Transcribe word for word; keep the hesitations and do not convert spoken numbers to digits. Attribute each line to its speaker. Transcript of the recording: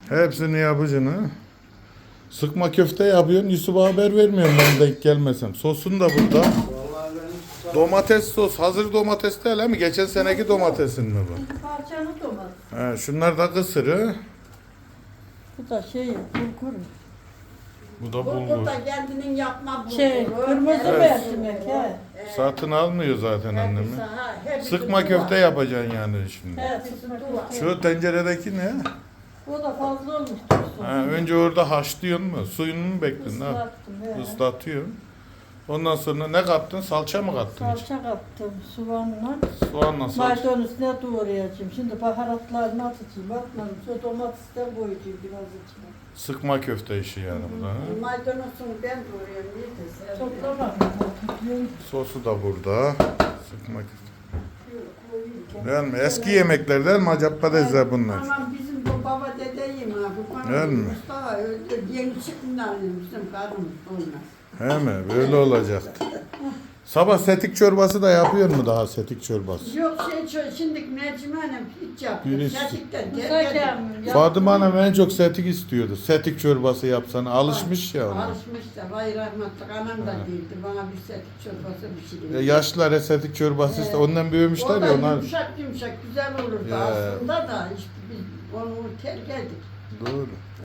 Speaker 1: Hepsini yapacaksın ha. Sıkma köfte yapıyorsun. Yusuf'a haber vermiyorum ben denk gelmesem. Sosun da burada.
Speaker 2: Vallahi benim
Speaker 1: Domates sos. Hazır domates değil mi? Geçen seneki domatesin mi bu?
Speaker 3: Parçalı domates.
Speaker 1: He, şunlar da kısırı.
Speaker 3: Bu da şey, bulgur.
Speaker 1: Bu da
Speaker 4: Bulgur
Speaker 1: bulgur.
Speaker 4: da kendinin yapma bulguru.
Speaker 3: Şey, kırmızı
Speaker 4: Evet.
Speaker 3: mercimek he.
Speaker 1: Satın almıyor zaten annemi.
Speaker 4: Hepsi, ha, hepsi
Speaker 1: Sıkma
Speaker 4: duvar.
Speaker 1: köfte yapacaksın yani şimdi.
Speaker 3: He,
Speaker 4: Hepsi
Speaker 3: sıkma
Speaker 4: duvar.
Speaker 3: köfte.
Speaker 1: Şu tenceredeki ne?
Speaker 3: O da fazla olmuş. dursun.
Speaker 1: Ha, önce orada haşlıyorsun mu? Suyunu mu bekliyorsun? Ha?
Speaker 3: Islattım he.
Speaker 1: Islatıyorsun. Ondan sonra ne kattın? Salça mı kattın hiç?
Speaker 3: Salça kattım soğanla.
Speaker 1: Soğanla salça.
Speaker 3: Maydanoz ne doğrayacağım. Şimdi baharatlarını atacağım. Atmadım. Sonra domatesten koyacağım biraz içine.
Speaker 1: Sıkma köfte işi yani bu da. ha?
Speaker 4: Maydanozunu ben doğruyorum. Neydi?
Speaker 3: Toplamadım.
Speaker 1: Sosu da burada. Sıkma köfte. Değil mi? Eski yemekler değil mi? Acappadezler bunlar.
Speaker 4: Aman bizim bu baba dedeyim ha. Bu
Speaker 1: Değil mi?
Speaker 4: Mustafa öldü. Yeni çıktığından bizim karımız olmaz.
Speaker 1: He mi? Böyle olacaktı. Sabah setik çorbası da yapıyor mu daha setik çorbası?
Speaker 4: Yok şey şu- şimdi mercimeğim hiç yapıyor.
Speaker 1: Birisi.
Speaker 4: Gerçekten
Speaker 3: Güzel
Speaker 4: gel
Speaker 3: gelmiş.
Speaker 1: Fatıma Hanım en çok setik istiyordu. Setik çorbası yapsana. Alışmış ya ona.
Speaker 4: Alışmış da vay rahmetli anam da değildi. Bana bir setik çorbası pişiriyor.
Speaker 1: Ya yaşlılara setik çorbası işte. Ondan büyümüşler
Speaker 4: O da
Speaker 1: ya onlar.
Speaker 4: yumuşak yumuşak güzel olurdu
Speaker 1: Ya.
Speaker 4: aslında da işte biz onu terk ettik.
Speaker 1: Doğru.